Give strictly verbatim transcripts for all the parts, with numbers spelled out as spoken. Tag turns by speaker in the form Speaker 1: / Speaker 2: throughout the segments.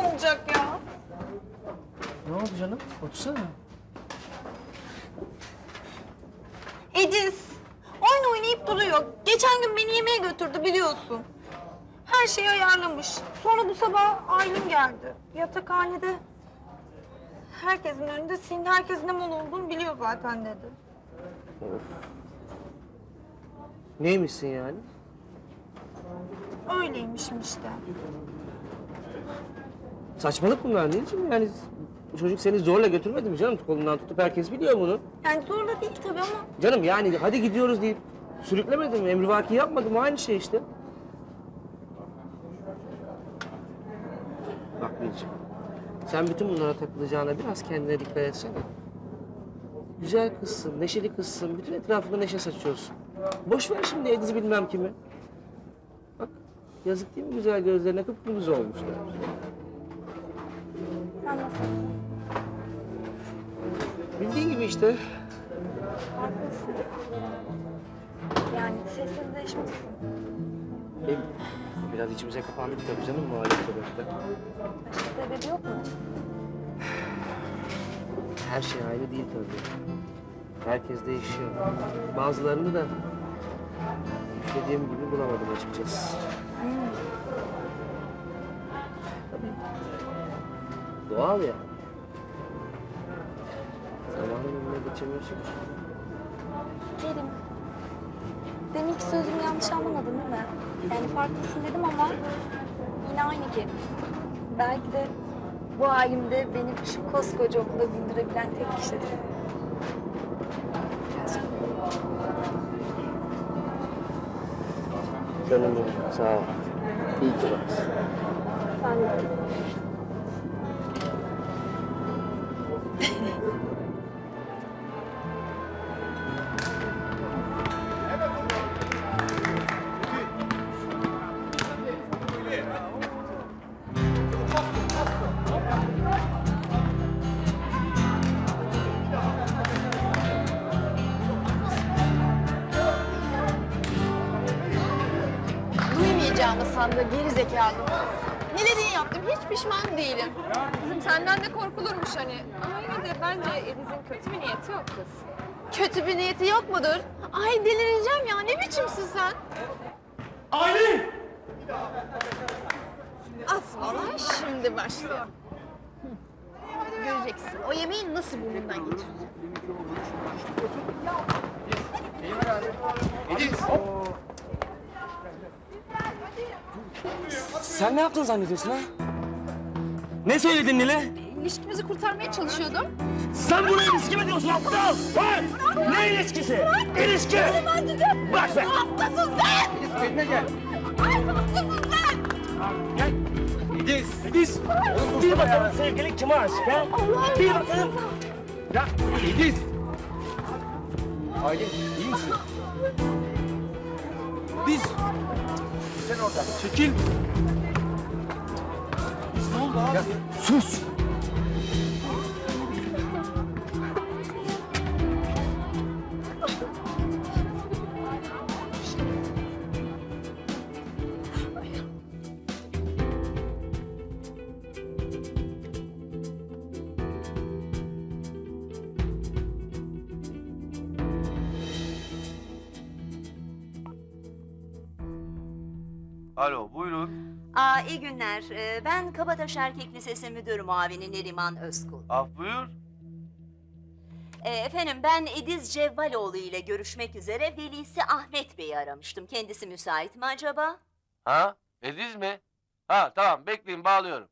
Speaker 1: olacak ya?
Speaker 2: Ne oldu canım? Otursana.
Speaker 1: Ediz, oyun oynayıp duruyor. Geçen gün beni yemeğe götürdü biliyorsun. Her şeyi ayarlamış. Sonra bu sabah Aylin geldi. Yatakhanede herkesin önünde senin herkesin ne mal olduğunu biliyor zaten dedi.
Speaker 2: Of. Neymişsin yani?
Speaker 1: Öyleymişim işte.
Speaker 2: Saçmalık bunlar anneciğim yani. Çocuk seni zorla götürmedi mi canım? Kolundan tutup herkes biliyor bunu.
Speaker 1: Yani zorla değil tabii ama
Speaker 2: Canım yani hadi gidiyoruz deyip sürüklemedim mi? Emrivaki yapmadım aynı şey işte. Bak Birciğim, sen bütün bunlara takılacağına biraz kendine dikkat etsene. Güzel kızsın, neşeli kızsın, bütün etrafında neşe saçıyorsun. Boş ver şimdi Ediz'i bilmem kimi. Bak, yazık değil mi güzel gözlerine kıpkırmızı olmuşlar.
Speaker 1: sen nasılsın?
Speaker 2: Bildiğin gibi işte.
Speaker 1: Haklısın. Yani sessizleşmişsin.
Speaker 2: E, biraz içimize kapandık tabii canım bu alet sebepte.
Speaker 1: Başka sebebi yok mu?
Speaker 2: Her şey aynı değil tabii. Herkes değişiyor. Bazılarını da dediğim gibi bulamadım açıkçası. Tabii. Doğal ya. Zamanın önüne geçemiyorsun ki.
Speaker 1: Kerim, deminki sözümü yanlış anlamadın değil mi? Yani farklısın dedim ama yine aynı Kerim. Belki de bu halimde beni şu koskoca okula bindirebilen tek kişisin.
Speaker 2: Canım benim, sağ ol. İyi ki varsın.
Speaker 1: Ben de.
Speaker 3: Duymayacağımı sandı geri zekalı. Neleri yaptım hiç pişman değilim. Kızım senden de korkulurmuş hani. Ama yine de bence Ediz'in kötü bir niyeti yoktur. Kötü bir niyeti yok mudur? Ay delireceğim ya ne biçimsin sen?
Speaker 4: Aylin!
Speaker 3: Asıl olay şimdi başlıyor. Hı. Göreceksin o yemeği nasıl burnundan geçireceğim.
Speaker 4: Ediz!
Speaker 2: Sen ne yaptın zannediyorsun ha? Ne söyledin Nile?
Speaker 3: İlişkimizi kurtarmaya çalışıyordum.
Speaker 4: Sen buna ilişki mi diyorsun aptal? Ha? Ne ilişkisi? İlişki! Bırak be!
Speaker 3: Hastasın sen!
Speaker 4: Ediz kendine gel.
Speaker 3: Ay hastasın sen!
Speaker 4: Gel. Ediz! Ediz! Bir bakalım sevgilin kime aşık ha? Bir bakalım. Ya Ediz! Aylin iyi misin? Ediz! Sen orada. Çekil. Ediz ne oldu abi? Ya, sus!
Speaker 5: Alo, buyurun.
Speaker 6: Aa, iyi günler. Ee, ben Kabataş Erkek Lisesi Müdür Muavini Neriman Özkul.
Speaker 5: Af buyur.
Speaker 6: Ee, efendim ben Ediz Cevvaloğlu ile görüşmek üzere velisi Ahmet Bey'i aramıştım. Kendisi müsait mi acaba?
Speaker 5: Ha? Ediz mi? Ha tamam, bekleyin, bağlıyorum.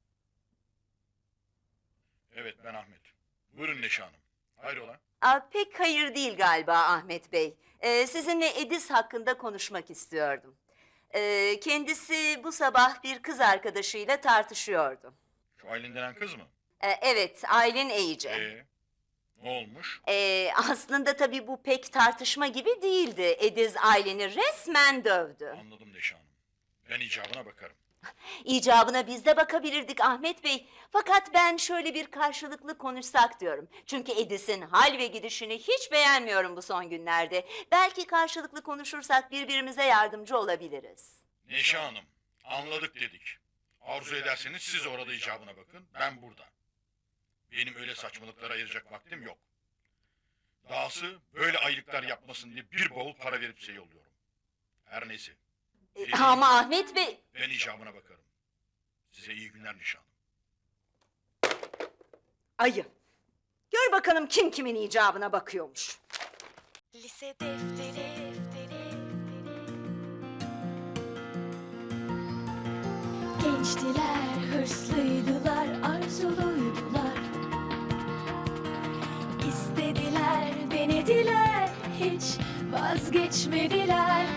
Speaker 7: Evet, ben Ahmet. Buyurun Neşe Hanım. Hayrola?
Speaker 6: Aa, pek hayır değil galiba Ahmet Bey. Ee, sizinle Ediz hakkında konuşmak istiyordum. Ee, kendisi bu sabah bir kız arkadaşıyla tartışıyordu.
Speaker 7: Şu Aylin denen kız mı?
Speaker 6: Ee, evet, Aylin Eyici.
Speaker 7: Ee, ne olmuş?
Speaker 6: Ee, aslında tabii bu pek tartışma gibi değildi. Ediz Aylin'i resmen dövdü.
Speaker 7: Anladım Neşe Hanım. Ben icabına bakarım.
Speaker 6: İcabına biz de bakabilirdik Ahmet Bey. Fakat ben şöyle bir karşılıklı konuşsak diyorum. Çünkü Edis'in hal ve gidişini hiç beğenmiyorum bu son günlerde. Belki karşılıklı konuşursak birbirimize yardımcı olabiliriz.
Speaker 7: Neşe Hanım, anladık dedik. Arzu ederseniz siz orada icabına bakın, ben burada. Benim öyle saçmalıklara ayıracak vaktim yok. Dahası böyle aylıklar yapmasın diye bir bavul para verip size yolluyorum. Her neyse,
Speaker 6: E, ama Ahmet Bey...
Speaker 7: ben icabına bakarım. Size iyi günler nişanım.
Speaker 6: Ayı. Gör bakalım kim kimin icabına bakıyormuş.
Speaker 8: Lise defteri, gençtiler, hırslıydılar, arzuluydular. İstediler, denediler, hiç vazgeçmediler.